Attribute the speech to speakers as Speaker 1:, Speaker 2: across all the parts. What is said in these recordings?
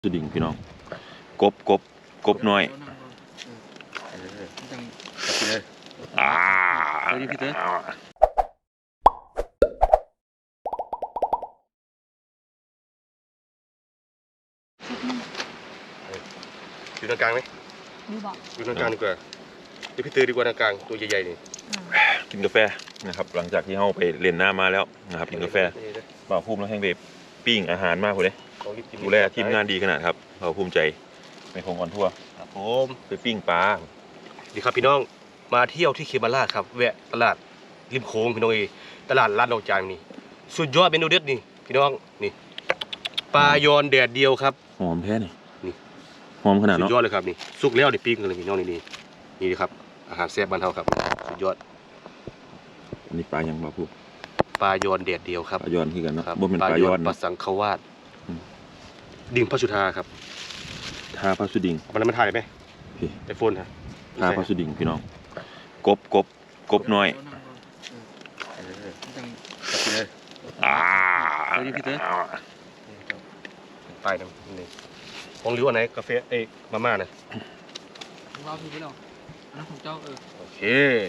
Speaker 1: สดิ่งพี่น้องกบน้อยอ่า
Speaker 2: อยู่ตรงกลางไหมอยู่ตรงกลางดีกว่าเดี๋ยวพี่ตื้อดีกว่าตรงกลางตัวใหญ่ๆนี่
Speaker 1: กินกาแฟนะครับหลังจากที่เราไปเล่นน้ำมาแล้วนะครับกินกาแฟบ่าวภูมิแล้วแห้งเบบปิ้งอาหารมากเลยดูแลทีมงานดีขนาดครับบ่าวภูมิใจในโครงการทั่ว
Speaker 2: ครับผม
Speaker 1: ไปปิ้งปลา
Speaker 2: ดีครับพี่น้องมาเที่ยวที่เคมาราชครับแวะตลาดริมโขงพี่น้องตลาดลาดดอกจานนี่สุดยอดเมนูเด็ดนี่พี่น้องนี่ปลายอนแดดเดียวครับ
Speaker 1: หอมแท้นี่หอมขนาด
Speaker 2: สุ
Speaker 1: เนาะ
Speaker 2: ดยอดเลยครับนี่สุกแล้วนี่ปิ้งกันเลยพี่น้องนี่ครับอาหารแซ่บบ้านเฮาครับสุดยอด
Speaker 1: อันนี้ปลายังบ่าวภูมิ
Speaker 2: ปลายอนแดดเดียวครับ
Speaker 1: ปลายอนที่กันเนาะบ่เป็นปลายอน
Speaker 2: ปลาสังขวาสดิ่งพระสุธาครับ
Speaker 1: ทาพระสุดิ่ง
Speaker 2: มันถ่ายไหมไอโฟนฮะ
Speaker 1: ทาพระสุดิ่งพี่น้องกบน้อย
Speaker 2: ไปนะนี่ของริ้วอันไหนกาแฟมาม่านะ
Speaker 3: ของเราถือไปหรออันนั้นของเจ้า
Speaker 2: โอเค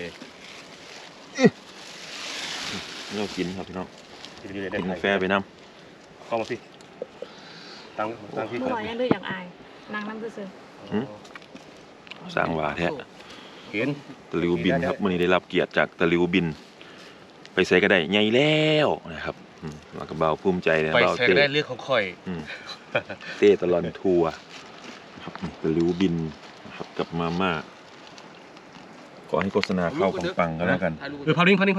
Speaker 1: เรากินครับพี่น้องกินกาแฟไปน้
Speaker 2: ำเข้ามาพี่ตั้งพี่
Speaker 4: เมื่อวานยังดื้ออย่างอายนางน้ำซื่อ
Speaker 1: สร้างว่าแท้
Speaker 2: เห็น
Speaker 1: ตะลิวบินครับวันนี้ได้รับเกียรติจากตะลิวบินไปใส่ก็ได้ใหญ่แล้วนะครับมากับเบาภูมิใจนะ
Speaker 2: เบาเต้ได้เรื่องของข่อย
Speaker 1: เต้ตลอดทัวร์ครับตะลิวบินนะครับกับมาม่าขอให้โฆษณาเข้าปังๆกันแล้วกัน
Speaker 2: พานิ่งขอนิ่ง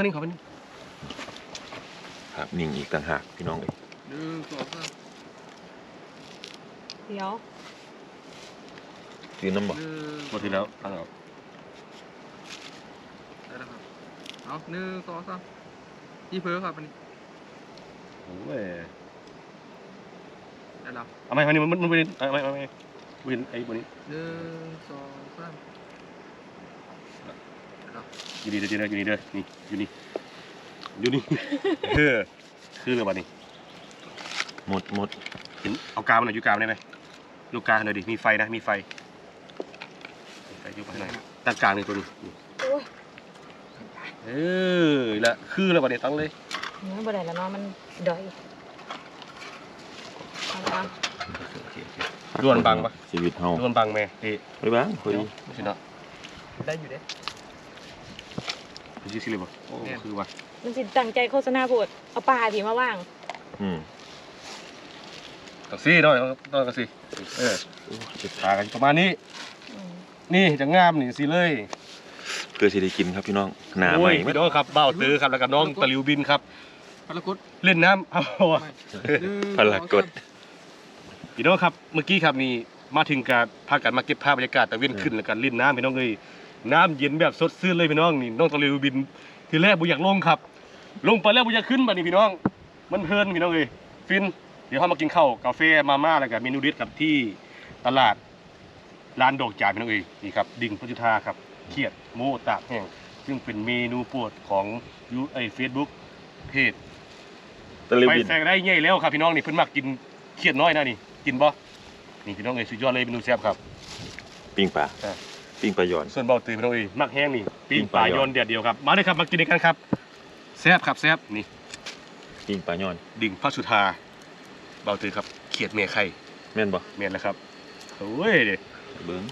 Speaker 1: ครับนิ่งอีกต่างหากพี่น้องเลย
Speaker 4: เดี๋ยว
Speaker 1: ซื้อน้ำบ่
Speaker 2: หมดทีแล้วตั้งเอา
Speaker 3: ได้แล้วครับเอา1 2 3ที่เพ้อครับอันนี้
Speaker 2: โอ้ย
Speaker 3: ได้แล้ว
Speaker 2: เอาไหมอันนี้มันไม่วินไอ้บนนี้
Speaker 3: 1 2 3
Speaker 2: อยู่นี่เด้อนี่อยู่นี่คือเรื่องวันนี้
Speaker 1: หมด
Speaker 2: เห็นเอากาวมันหน่อยอยู่กาวได้ไหมลูกกาวหน่อยดิมีไฟนะมีไฟอยู่ข้างในตั้งกลางนี่ตัวนี้ละคือแล้ววันนี้ตั้งเลย
Speaker 4: ไม่บ่ได้แล้วเนาะมันดอย
Speaker 2: ด้วนบังปะ
Speaker 1: ชีวิตเฮา
Speaker 2: ด้วนบังแม่
Speaker 1: ไม่บังคุย
Speaker 2: ไม่ใช่เนาะ
Speaker 3: ได้อยู่เด้
Speaker 2: ชื่อสิเลยปะโอ้คือว่า
Speaker 4: มันสิตั้งใจโฆษณาพูดเอาปลาผีมาว่าง
Speaker 2: กระซี่หน่อยกระซี่จะทากันประมาณนี้นี่จะงามนี่สิเลย
Speaker 1: เพื่อที่ได้กินครับพี่น้องหนาใหม่
Speaker 2: พี่น้องครับเบ้าตื้อครับแล้วก็น้องตะลิวบินครับ
Speaker 3: พารากด
Speaker 2: เล่นน้ำเอา
Speaker 1: พารากด
Speaker 2: พี่น้องครับเมื่อกี้ครับนี่มาถึงการพากันมาเก็บภาพบรรยากาศตะเวนขึ้นแล้วกันเล่นน้ำพี่น้องเลยน้ำเย็นแบบสดชื่นเลยพี่น้องนี่น้องตะลิวบินทีแรกบุอยากลงครับลงไปแล้วบุอยากขึ้นมานี่พี่น้องมันเพลินพี่น้องเลยฟินเดี๋ยวเขามากินข้าวกาแฟมาม่าแล้วกับเมนูเด็ดกับที่ตลาดร้านดอกจานพี่น้องเอ๋ยนี่ครับดิ่งพระจุธาครับเขียดโมตากแห้งซึ่งเป็นเมนูโปรดของเฟซบุ๊กเพจไปแซงได้ง่ายแล้วครับพี่น้องนี่เพิ่นมักกินเขียดน้อยนะนี่กินบ่นี่พี่น้องเอ๋ยสุดยอดเลยเมนูแซ่บครับ
Speaker 1: ปิ้งปลาย้อน
Speaker 2: ส่วนเบาตื่นพี่น้องเอ๋ยมักแห้งนี่ปิ้งปลาย้อนเดียวครับมาเลยครับมากินกันครับแซ่บครับแซ่บนี่
Speaker 1: ปิ้งปลาย้อน
Speaker 2: ดิ่งพระสุธาเบาตื่นครับเขียดเมียไข่
Speaker 1: แม่นบ่
Speaker 2: แม่นแล้วครับโอ้ยเด็ก
Speaker 1: เบิ้ง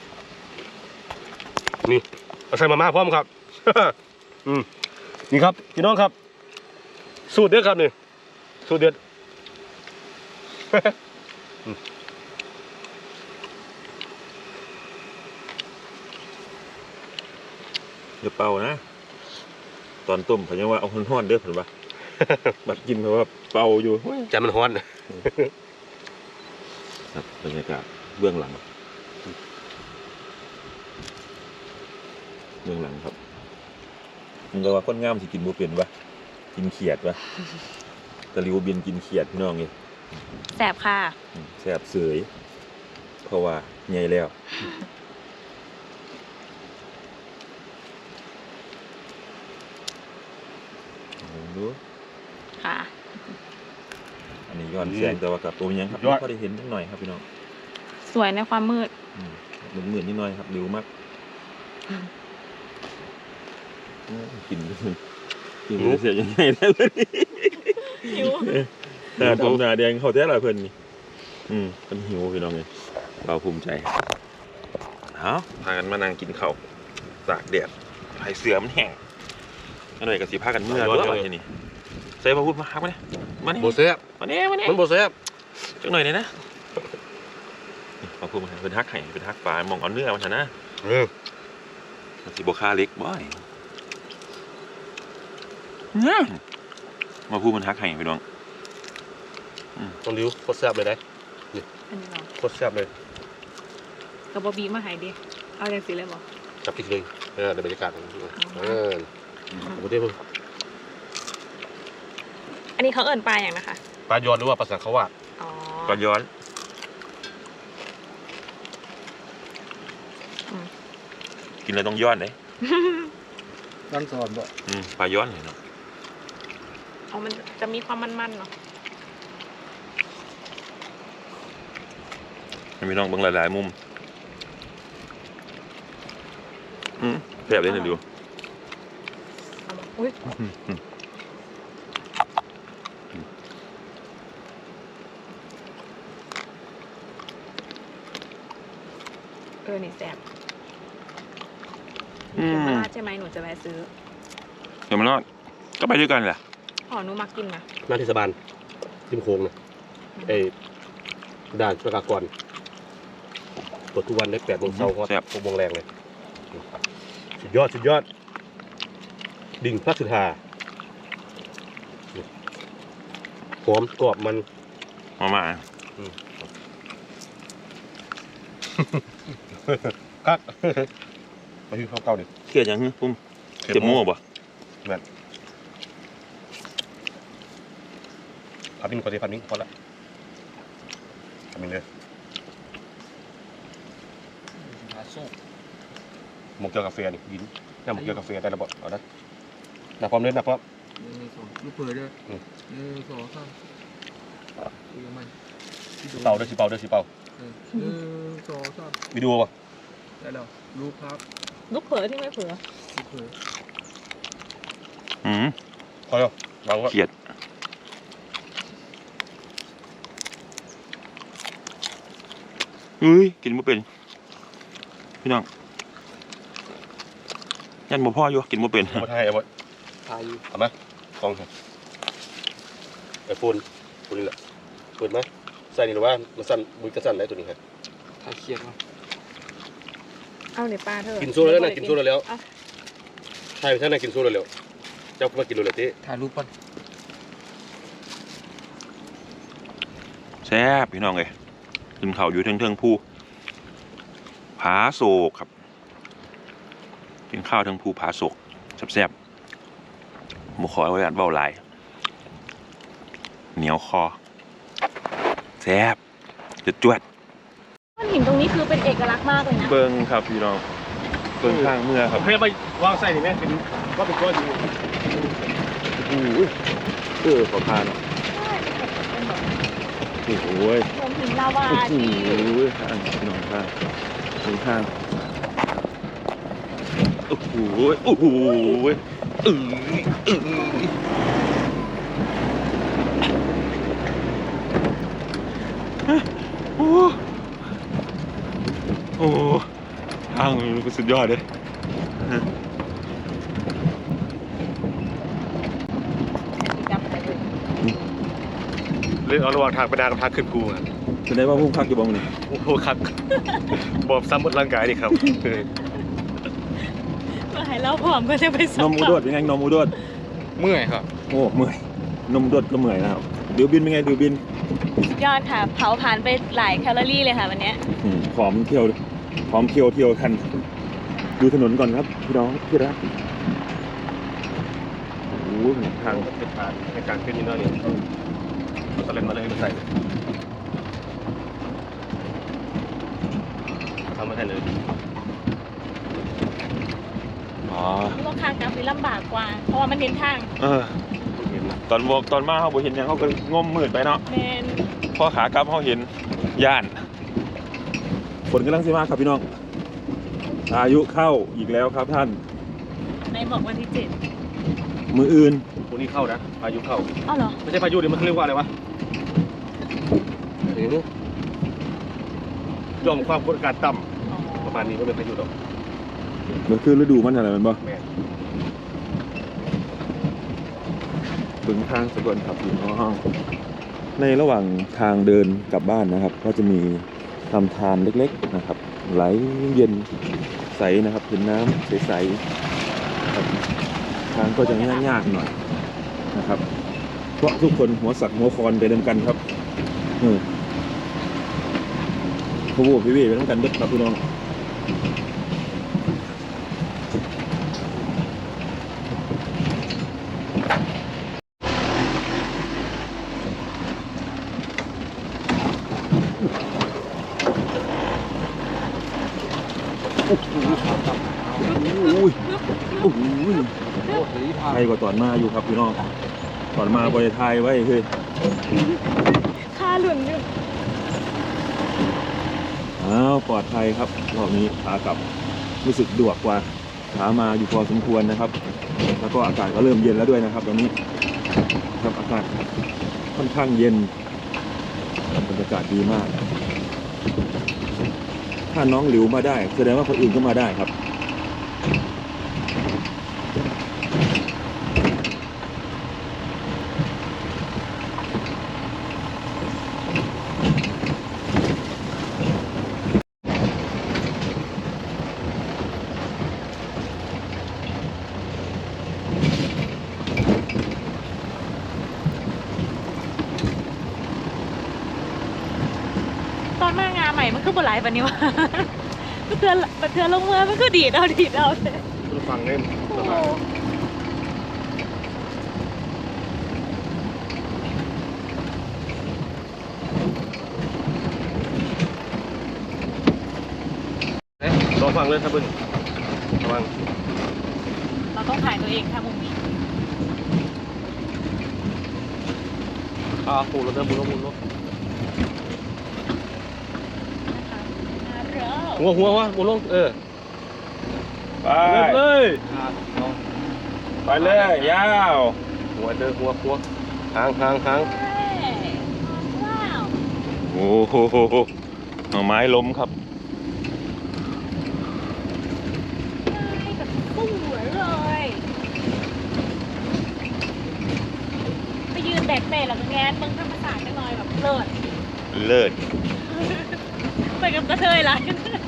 Speaker 2: นี่เอาใส่มาม่าพร้อมครับนี่ครับพี่น้องครับสูตรเด็ดครับนี่สูตรเด็ด
Speaker 1: เดี๋ยวเป่านะตอนต้มเขายังว่าเอาห้อนๆเด้อเห็นปะบัดกินเพราะว่าเป่าอยู่
Speaker 2: ใจมันฮ้อน
Speaker 1: ครับบรรยากาศเบื้องหลังครับมันก็ว่าคนงามสิกินบัวเป็นปะกินเขียดปะตะลิวบินกินเขียดพี่น้องนี่
Speaker 4: แสบค่ะ
Speaker 1: แสบเสยเพราะว่าใหญ่แล้วดู
Speaker 4: ค่ะ
Speaker 1: อันนี้ย้อนแสงแต่ว่ากับตัวยังครับพอได้เห็นนิดหน่อยครับพี่น้อง
Speaker 4: สวยในความมืด
Speaker 1: เหมือนนิดหน่อยครับเร็วมากกินเสียยังไงแล้วนี่
Speaker 4: หิว
Speaker 1: หน้าดำหน้าแดงเขาแท้ละเพิ่นนี่เป็นหิวพี่น้องเลยเราภูมิใจเอาพากันมานั่งกินข้าวตากแดดให้เสือมันแห้งหน่อยกับสีผ้ากันเมื่อด้วยทีนี้ใส่พระพุทธมาฮักมาเนี่ยมาเนี่ย
Speaker 2: โบแซ่บ
Speaker 1: มาเนี่ยมาเนี่ย
Speaker 2: มันโบแซ่บ
Speaker 1: จังหน่อยเลยนะพระพุทธมาเป็นฮักไห่เป็นฮักปลามองเอาเนื้อมาชนะมันสีโบค่าเล็กบ่อยมาพูดมันฮักไห่พี่น้อง
Speaker 2: ต้องริ้วโคตรแซ่บเลยนะ
Speaker 4: อันนี้เหรอ
Speaker 2: โคตรแซ่บเลย
Speaker 4: กับบบีมาหายดิเอาอย่างสิเลยบอก
Speaker 2: จับพริกเลยในบรรยากาศโอ้เด้อ
Speaker 4: อันนี้เขาเอิ่นปลาอย่างนะคะ
Speaker 2: ปลายอนหรือว่าปลาสังขวาด
Speaker 4: อ๋อ
Speaker 1: ปลาย้อนกินแล้วต้องย้อนเลย
Speaker 3: ด้านสอนบ่
Speaker 1: ปลาย้อนเนาะ
Speaker 4: อ๋อมันจะมีความมันๆเนาะ
Speaker 1: มีน้องเบิ่งหลายๆมุมแซ่บเลยนะดู
Speaker 4: เอามาอุ้ยนี่แซ่บเดี๋ยวมาลาดใช่ไหมหนูจะแวะซื้อ
Speaker 1: เดี๋ยวมันรอดก็ไปด้วยกันแหละ
Speaker 4: อ๋อหนูมากินนะ
Speaker 2: หน้าเทศบาลทิมโค้งนะด่านประกากรเปิดทุกวันได้8 โมงเช้าครับ6 โมงแรงเลยสุดยอดสุดยอดดิ่งพระสุธาหอมกรอบมัน
Speaker 1: มา
Speaker 2: คักไปที่ข้าวเก่าดิ
Speaker 1: เกลียดยังปุ้มเจ็บมั่วป่ะ
Speaker 2: พับมินก่อนสิพับมินพอละพับมินเลย
Speaker 3: หาสู้
Speaker 2: หมกเกี๊ยวกาแฟนี่ยินน้ำหมกเกี๊ยวกาแฟได้ระบบเอานะหน้าพร้อมเลยหน้าพร้อม
Speaker 3: 1 2ลูกเผยด้วย1 2 3คุยกับมัน
Speaker 2: สิเป่าด้วยสิเป่าด้วยสิเป่า
Speaker 3: 1 2 3
Speaker 2: วิดีโอป่ะ
Speaker 3: ได้แล้วลูกครับ
Speaker 4: ลูกเผลอที่ไม่เผลอ
Speaker 3: ลูกเผย
Speaker 2: พอแล้ววางไว้
Speaker 1: เกลียดกินไม่เป็นพี่น้องยันบ่พ่ออยู่กินไม่เป็น
Speaker 2: มาถ่ายเอาไว้
Speaker 3: ทายอยู่
Speaker 2: เอาไหมกล้องครับไอโฟนตัวนี้แหละเปิดไหมใส่นี่หรือว่ามันสั่นมือกระสั่นได้ตัวนี้ครับ
Speaker 3: ทายเครียดมั้ย
Speaker 4: เอาในปลาเถอะ
Speaker 2: กินโซ่แล้วนะกินโซ่แล้วใช่ใช่นะกินโซ่แล้วเจ้าก็มากินเลยเต้
Speaker 3: ถ่ายรูปก่อน
Speaker 1: แซ่บพี่น้องเลยขึ้นเขาอยู่เทิงภูผาโศกครับกินข้าวเทิงภูผาโศกแซ่บๆหมูขอไว้อันเบาหลายเหนียวคอแซ่บจวด
Speaker 4: ก้อนหินตรงนี้คือเป็นเอกลักษณ์มากเลยนะ
Speaker 1: เบิ้งครับพี่น้องเบิ้งข้างเมื่อครับ
Speaker 2: ให้ไปวางใส่นี่ไหมเป็นว่าเป็นก้อนอยู่
Speaker 1: ขอพาเนาะ
Speaker 4: ใช่เป็นแบบ
Speaker 1: โอ้โห
Speaker 4: โรงหินลาวา
Speaker 1: โอ้โห
Speaker 4: ที่
Speaker 1: ข้างพี่น้องข้างข้างโอ้โหโอ้โหโอ้โหทางมันก็สุดยอดเลย
Speaker 4: จับไปเลย
Speaker 2: เล่นเอาระหว่างทางไปนากับทางขึ้นภูอ่ะ
Speaker 1: แสดงว่าพุ่งพักอยู่บ้างนี่
Speaker 2: โอ้โหครับบอบซ้ำหมดร่างกายนี่ครับ
Speaker 4: เมื่อให้เราพร้อมก็จะไปสั
Speaker 1: น
Speaker 4: ม
Speaker 1: มอุ
Speaker 4: ผั
Speaker 1: ด
Speaker 4: ส
Speaker 1: ดยังไงนมอุดด
Speaker 3: เมื่อยครับ
Speaker 1: โอ้เมื่อยนมอุดดก็เมื่อยนะครับดิวบินเป็นไงดิวบิน
Speaker 4: สุดยอดค่ะ เผาผ่านไปหลายแคลอรี่เลยค่ะวันนี้
Speaker 1: ผอมเที่ยวผอมเที่ยวทันดูถนนก่อนครับพี่น้องที่รักโอ้โหทาง
Speaker 2: เป็นทางในการขึ้นนี่เนาะนี่ตะเล่นมาเลยมาใส่ทำมาให้เลย
Speaker 1: อ๋อ
Speaker 4: รถทางกลางเป็นลำบากกว่า เพราะว่ามันเห็นทาง
Speaker 1: ตอนมาเขาบ่เห็นหยังเขาก็งมมืดไปเนาะ
Speaker 4: แมน
Speaker 1: พอขากลับเขาเห็นย่านฝนกำลังสิมาครับพี่น้องอายุเข้าอีกแล้วครับท่าน
Speaker 4: ในบอกวันที่7
Speaker 1: มืออื่น
Speaker 2: ตัวนี้เข้านะพายุเข้า
Speaker 4: อ้าวเหรอ
Speaker 2: ไม่ใช่พายุเดี๋ยวมันเรียกว่าอะไรวะนี่ยอมความกดอากาศต่
Speaker 4: อ๋อ
Speaker 2: ำประมาณนี้ก็เป็นพายุหรอก
Speaker 1: มันคือฤดูมันอะไรมันบ่
Speaker 2: แม่
Speaker 1: ถึงทางสกลครับพี่น้องในระหว่างทางเดินกลับบ้านนะครับ ก็จะมีลำธารเล็กๆนะครับ ไหลเย็นใสนะครับเป็นน้ำใสๆครับทางก็จะยากๆหน่อยนะครับ เพราะทุกคนหัวสักหัวคอนไปเดิมกันครับพวกพี่ไปต้องกันเด็ดครับพี่น้องอุ้ยไทยกว่าตอนมาอยู่ครับพี่น้องตอนมาบริไทยไว้คือ
Speaker 4: ค่าหลุนอยู่
Speaker 1: อ้าวปลอดภัยครับรอบนี้ขากลับรู้สึกดวกกว่าขามาอยู่พอสมควรนะครับ แล้วก็อากาศก็เริ่มเย็นแล้วด้วยนะครับตอนนี้ครับอากาศค่อนข้างเย็นบรรยากาศดีมาก ถ้าน้องหลิวมาได้แสดงว่าคนอื่นก็มาได้ครับ
Speaker 4: ตอนมางานใหม่มันคือบ่หลายปานนี้วะ เทือนลงเมือมันคือดีดเอาเลย
Speaker 2: คุณฟังเนี่ย
Speaker 4: โอ้
Speaker 2: ประ
Speaker 4: โห
Speaker 2: มาณลองฟังเลยครับเพื่อนระวัง
Speaker 4: เราต้องถ่ายตัวเองค่ะมุมนี้
Speaker 2: ปูรถเริ่มมุนรถ
Speaker 4: นะคะ
Speaker 2: หัววะมุนลง
Speaker 1: ไป
Speaker 2: เลย
Speaker 1: ไปเลยยาว
Speaker 2: หัวหาง
Speaker 4: เฮ้ยว้าว
Speaker 1: โอ้โหหน่อไม้ล้มครับ
Speaker 4: ง่ายแบบสวยเลย ไปยืนแบกเตะแล้วก็แงนเบิ่งธรรมศาสตร์กันหน่อยแบบเลิศ
Speaker 1: เลิศ
Speaker 4: ไปกับกระเทยละ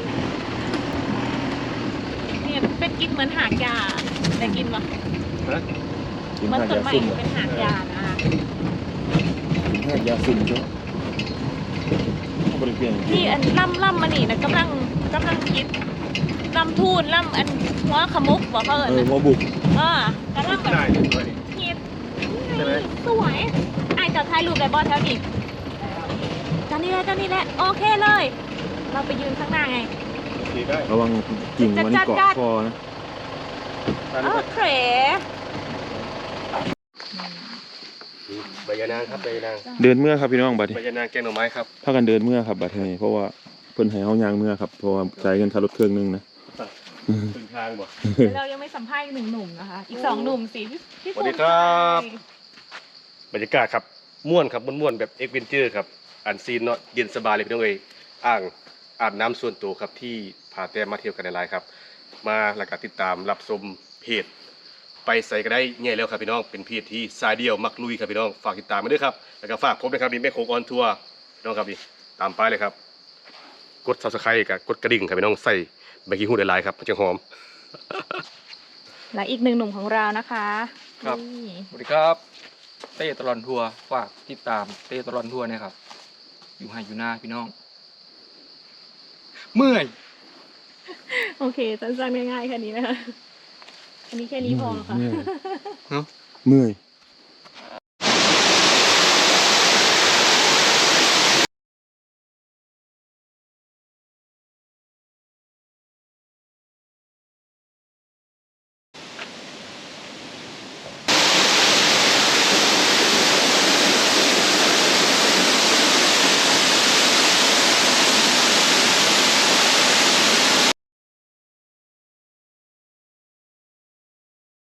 Speaker 4: เนี่ยเป็นกินเหมือนหางยาแต่กินปะ
Speaker 1: กิน
Speaker 4: มัน
Speaker 1: หาด
Speaker 4: ต้น
Speaker 1: ยา
Speaker 4: ไม้
Speaker 1: สุ่ม
Speaker 4: เป็นหางยานะคะ
Speaker 1: กินหาดยาสุ่มใช่ไหมบริเวณ
Speaker 4: ที่อันล่ำมานี่นะกำลังคิดล่ำทูนล่ำอันหัวขมุกบอกเขาเอิญนะ
Speaker 1: หัวบุก
Speaker 4: กำลังแบบ
Speaker 2: ได้ด้วย
Speaker 4: คิด
Speaker 2: ใช่ไหม
Speaker 4: สวยไอ้จะถ่ายรูปได้บอสแถวนี้จานนี้แหละโอเคเลย เราไปยืนข้างหน้าไง
Speaker 2: ดีได้
Speaker 1: ระวังกิ่งมันเกาะคอนะ
Speaker 4: โอเค
Speaker 2: ใบยานางครับใบยานาง
Speaker 1: เดินเมื่อครับพี่น้องบัดนี้
Speaker 2: ใบยานางแกงหน่อไม้ครับ
Speaker 1: พากันเดินเมื่อครับบัดนี้เพราะว่าเพิ่นให้เฮายางเมื่อครับเพราะว่าจ่ายเงินค่ารถเครื่องนึงนะ
Speaker 2: ถึงทางบ่
Speaker 4: เรายังไม่สัมภาษณ์อีก1 หนุ่มนะคะ อีก2 หนุ่มสิพี่
Speaker 2: สวัสดีครับ บรรยากาศครับม่วนครับม่วนแบบเอ็กเวนเจอร์ครับอันซีนเนาะเย็นสบายเลยพี่น้องเอ้ยอาบน้ำส่วนตัวครับที่พาแต้มมาเที่ยวกันในไลน์ครับมาแล้วก็ติดตามรับชมเพจไปใส่ก็ได้ง่ายแล้วครับพี่น้องเป็นเพจที่สายเดียวมักลุยครับพี่น้องฝากติดตามมาด้วยครับแล้วก็ฝากผมนะครับนี่แม่โคกออนทัวร์พี่น้องครับนี่ตามไปเลยครับกด Subscribe กับกดกระดิ่งครับพี่น้องใส่ใบกี้ฮู้ในไลน์ครับมันจะหอม
Speaker 4: และอีก1 หนุ่มของเรานะคะ
Speaker 3: ครับ
Speaker 4: นี่
Speaker 3: สวัสดีครับ เต้ตลอนทัวร์ฝากติดตามเต้ตลอนทัวร์นะครับ อยู่ให้อยู่หน้าพี่น้อง เมื่อย
Speaker 4: โอเคสั้นๆง่ายๆแค่นี้นะคะ อันนี้แค่นี้พอค่ะ
Speaker 1: เมื่อย